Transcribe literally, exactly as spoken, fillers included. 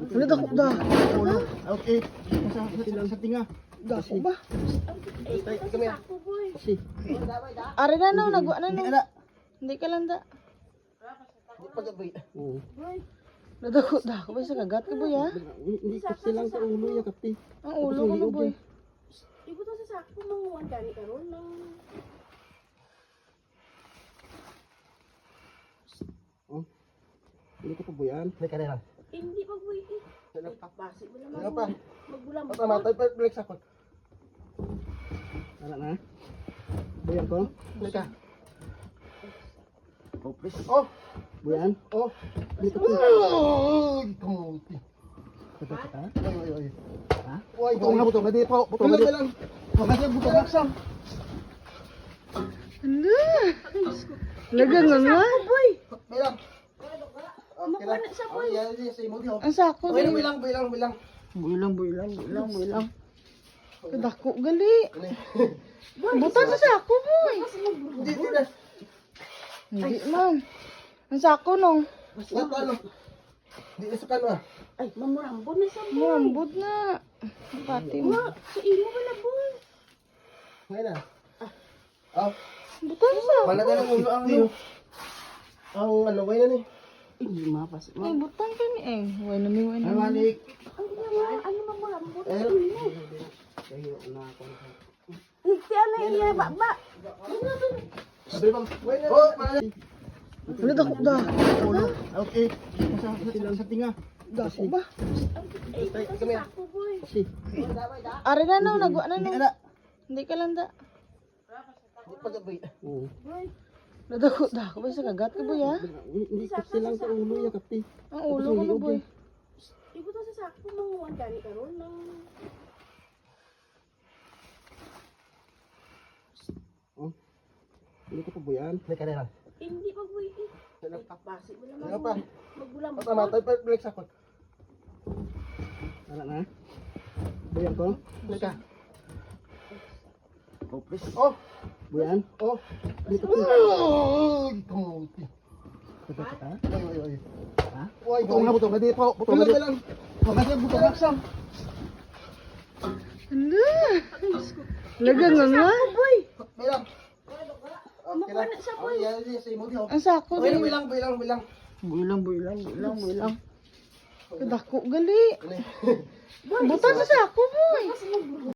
Ano dako da? Ulo. Okay. Sa sa sa tinga. Dako ba? Tay kami. Si. Ari na no, nagwa na Hindi no. ka na. Hindi ka lang da. Di pa gabi. Oo. Nadako dako ba sa kagat ka boy ha? Hindi kasi lang sa ulo ya kapti. Ang ulo ko na boy. Ibu to sa sakto manguwan gani karon nang Oh. Hindi ka pa buyan. Hindi ka na lang. hindi pagbuhi. Ano pa? Basi mo Ano naman. pa? Magbulam. Tama tayo pa balik sakot. Ano na? Buyan ko. Hindi ka. Oh, please. Oh. Buyan. Oh. Hindi ka. Oh, kamuti. Kata kata. Oy oy oy. Ha? Oy, butong na butong. Hindi pa. Butong na lang. Butong na butong na sam. Ano? Laga nga nga. Boy, Bilang. makuha na sa boy. Yan yan sa imo di. Ang sako Bilang di. bilang bilang bilang. Builang builang builang builang. Dako gali. Ano? Butan sa sako boy. Hindi hindi na. Hindi man. Ang sako nung. Ano ano? Hindi na sa kano ah. Ay, mamurambon na sa boy. Murambod na. Pati mo. Ma, sa imo wala boy. Ngayon na. Ah. Butan sa. Wala na lang ulo ang ano. Ang ano ba yan eh? Hindi mapas. Ay, butan ka ni eh. Huwag na may huwag Ay na. malik. Ang ginawa, ano mamurambon sa Eh. imo? Kayo na ako. Hindi ano iya baba. Sabi bang. Oh, malik. Ano dako da? Ulo. Okay. Sa sa sa tinga. Dako ba? Ay, Tay ito kami. sa sakto boy. Si. Ari na no, nagwa na Hindi ka no. na. Hindi ka lang da. Di pa gabi. Oo. Boy, Nadako dako ba sa kagat ka boy ha? Hindi kasi lang sa ulo ya kapti. Ang ulo ko na boy. ibu to sa sakto manguwan gani karon nang Oh. Hindi ka pa buyan. Hindi ka na lang. hindi pagbuhi. Ano pa? Basi mo Ano naman. pa? Magbulam. Tama tayo pa balik sakot. Ano na? Buyan ko. Hindi ka. Oh, please. Oh. Buyan. Oh. Hindi ka. Oh, kamuti. Kata kata. Oy oy oy. Ha? Oy, butong na butong. Hindi pa. Butong na lang. Butong na butong na sam. Ano? Laga nga nga. Boy, Bilang. makuha na sa boy. Yan yan sa imo di. Ang sako Bilang di. bilang bilang bilang. Builang builang builang builang. Dako gali. Ano? Butan sa sako boy. Kasi magbulam.